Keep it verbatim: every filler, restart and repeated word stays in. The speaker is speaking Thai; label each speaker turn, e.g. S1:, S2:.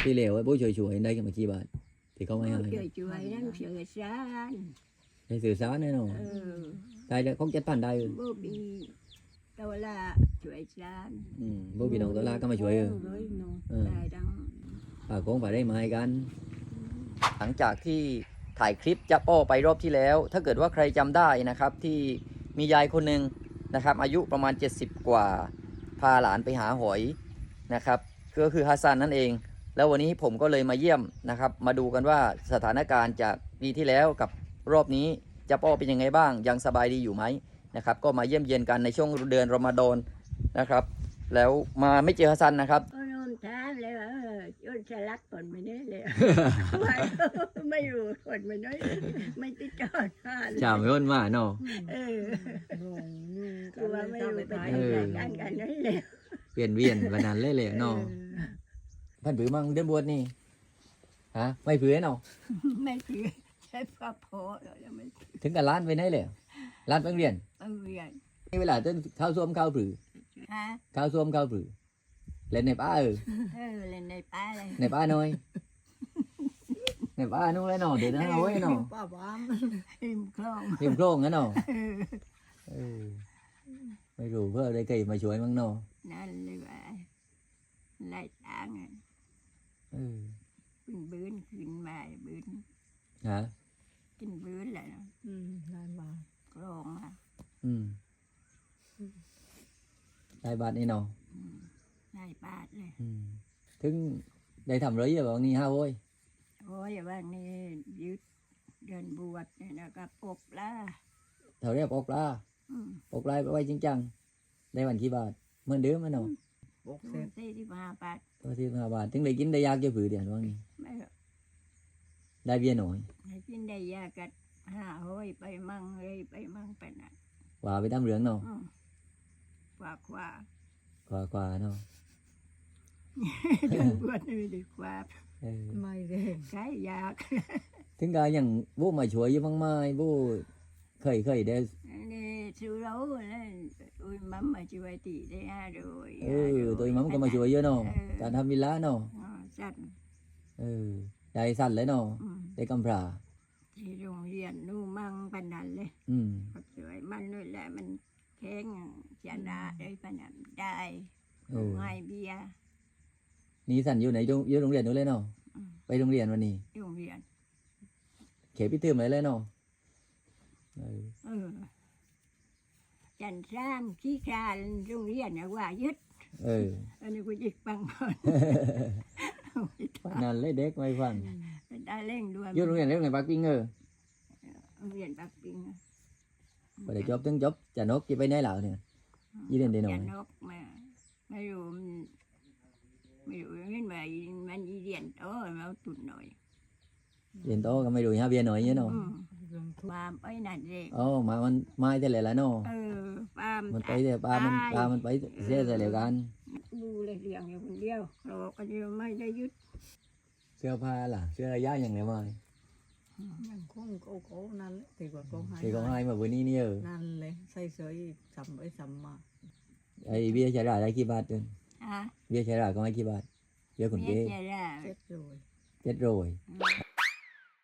S1: ที่เหลวไอ้โบ้ช่วยๆได้กันมากี่บาทที่เขาไม่ให้
S2: ช่วยช่วยนั่งเสือสาร
S1: ได้สื่อสารแน่นอน
S2: เออ
S1: ได้แล้วเขาเจ็ดพันได้
S2: บ่มีตัวละช่วยสาร
S1: อืมโบ้พี่น้องตัวลาก็มาช่วยเออ
S3: เลยเนาะ
S1: เออ
S2: ได้ดัง
S1: ฝากของฝากได้มาให้กัน หลังจากที่ถ่ายคลิปจับโป้ไปรอบที่แล้ว ถ้าเกิดว่าใครจำได้นะครับที่มียายคนหนึ่งนะครับอายุประมาณเจ็ดสิบกว่าพาหลานไปหาหอยนะครับก็คือฮัสซันนั่นเอง แล้ววันนี้ผมก็เลยมาเยี่ยมนะครับมาดูกันว่าสถานการณ์จากปีที่แล้วกับรอบนี้จับโป้เป็นยังไงบ้างยังสบายดีอยู่ไหมนะครับก็มาเยี่ยมเยียนกันในช่วงเดือนรอมฎอนนะครับแล้วมาไม่เจอฮัสซันนะครับ
S2: ก็นอนทานเลยว่าเออจนสลักผลไม่ได้เลย ไม่ไม่รู้ผลไม่ได้ไม่ติดจอดทาน
S1: chào mấy ơn mà nó
S2: เออ
S3: โอ้ย
S2: คือว่าไม่รู้ไป
S3: ท้าย
S2: ทำรายการกันนั่นแหละ
S1: viền viền và nàn lê lệ nó thân bự mang đến buồn nè hả mày bự nào
S2: ไม่ถือใช้พระโพแล้วไม่
S1: ถึงกับล้านไปไหนเลยล้านไปเรียน
S2: ต้องเรียน
S1: นี่เวลาต้นข้าวส้มข้าวผือ
S2: ฮะ
S1: ข้าวส้มข้าวผือเล่นในป้าเออ
S2: เออเล่นในป่าเลย
S1: ในป้าน้อยในป้านู้นเลยหนอเดี๋ยวนะเอาไว้หนอ
S3: ป้าบ้าม
S2: ริมคลอง
S1: เตรียมโครงงั้นหนอ
S2: เออ
S1: เออไม่รู้เพื่อได้ใครมาช่วยมั้งหนอ
S2: นั่นเลยว่าไล่ตางอ่ะ
S1: เออ
S2: ขึ้นบื้นขึ้นมาบื้น
S1: ฮะ
S2: กินบื้นแหละ
S3: อืมได้มา
S2: คลองอ่ะ
S1: อืมได้บาทนี่หนอ
S2: อืมไล่บาทเลย
S1: อืมถึงได้ทำไรอย่าบอกนี่ฮะโว้ย
S2: โอ้ยว่านี่ยึดเดินบวชเนี่ยนะก็ปกละ
S1: เท่าเรียบออกลา
S2: อืม
S1: ออกลายไปไว้จริงจังได้วันกี่บาทเหมือนเดิมไหมหนอ
S3: ปกเสร็จ
S2: สี่สิบห้าบาท
S1: ตัวที่ห้าบาทถึงได้กินได้ยากจะผือเดียวว่างี้
S2: ไม่หรอก
S1: ได้เบี้ยหน่อย
S2: ให้กินได้ยากัดห้าห้อยไปมั่งเลยไปมั่งไปน่ะ
S1: ว่าไปตามเรื่องเนาะ
S2: อืมกว่าขวาก
S1: ว่ากว่าเนาะ
S2: เดินบวชนี่ดีกว่า
S1: เออ
S3: ไม่ได้
S2: ใช้ยาก
S1: ถึงกาอย่างบู้มาช่วยอยังมั่งไม้บู้เคยเคยได้
S2: นี่สู้เราเลยอุ้ยมัมมาช่วยตีได้ห้าโดย
S1: เออตัวมัมก็มาช่วยเยอะเนาะการทำวิลล่าเนาะ
S2: อ๋อจัด
S1: เออได้สั่นเลยเนาะ
S2: อืม
S1: ได้กำพร้า
S2: ที่โรงเรียนนู่มั่งปันนันเลย
S1: อืม
S2: ก็สวยมันนู่นแหละมันแข็งชนะได้ปันนันได้
S1: เออ
S2: ง่ายเบียร์
S1: นี่สั่นอยู่ไหนอยู่อยู่โรงเรียนนู้นเลยเนาะ
S2: อืม
S1: ไปโรงเรียนวันนี้
S2: โรงเรียน
S1: เขพิเติมเลยเลยเนาะเออ
S2: เออจันทรามขี้คลานโรงเรียนนะว่ายึด
S1: เออ
S2: อันนี้กูจิกปังก่อน
S1: นั่นเลยเด็กไม่ฟัง
S2: ได้เร่งด้วย
S1: อยู่โรงเรียนเรื่องไหนปักปิ้งเออ
S2: โรงเรียนปักปิง
S1: ไปได้จบถึงจบจะนกจะไปไหนเหล่าเนี่ย ยี่เดือนเดียวหน่อย
S2: จะนกมาไม่รู้มันไม่รู้มันมามันอีเรียนโอ้ยมาตุนหน่อย
S1: เรียนโตก็ไม่ดูฮะเบียร์หน่อยเนี่ยเนาะ
S2: อืม
S3: เรื่องทุก
S2: ความไปนั่นเอง
S1: อ๋อมามันไม่แต่ละละเนาะ
S2: เออความ
S1: มันไปแต่ปลามันปลามันไปเสียแต่เดียวกัน
S2: ดูเลยเลี้ยงอยู่คนเดียวเราก็ยังไม่ได้ยึด
S1: เสื้อผ้าล่ะเสื้อระยะอย่างไรมา
S3: ยังคงโกโก้นั่นแหละตีกว่าโกงหาย
S1: thì con hai mà vừa ní nhiều
S3: นั่นเลยใส่เสื้อซ้ำไปซ้ำมา
S1: ai bia chả ra đây kia bát trên
S2: อ่ะ
S1: bia chả ra con ai kia bát bia còn
S2: เมีย
S1: kia
S2: จะได้
S3: เจ็ดเลย
S1: chết rồi
S2: อืม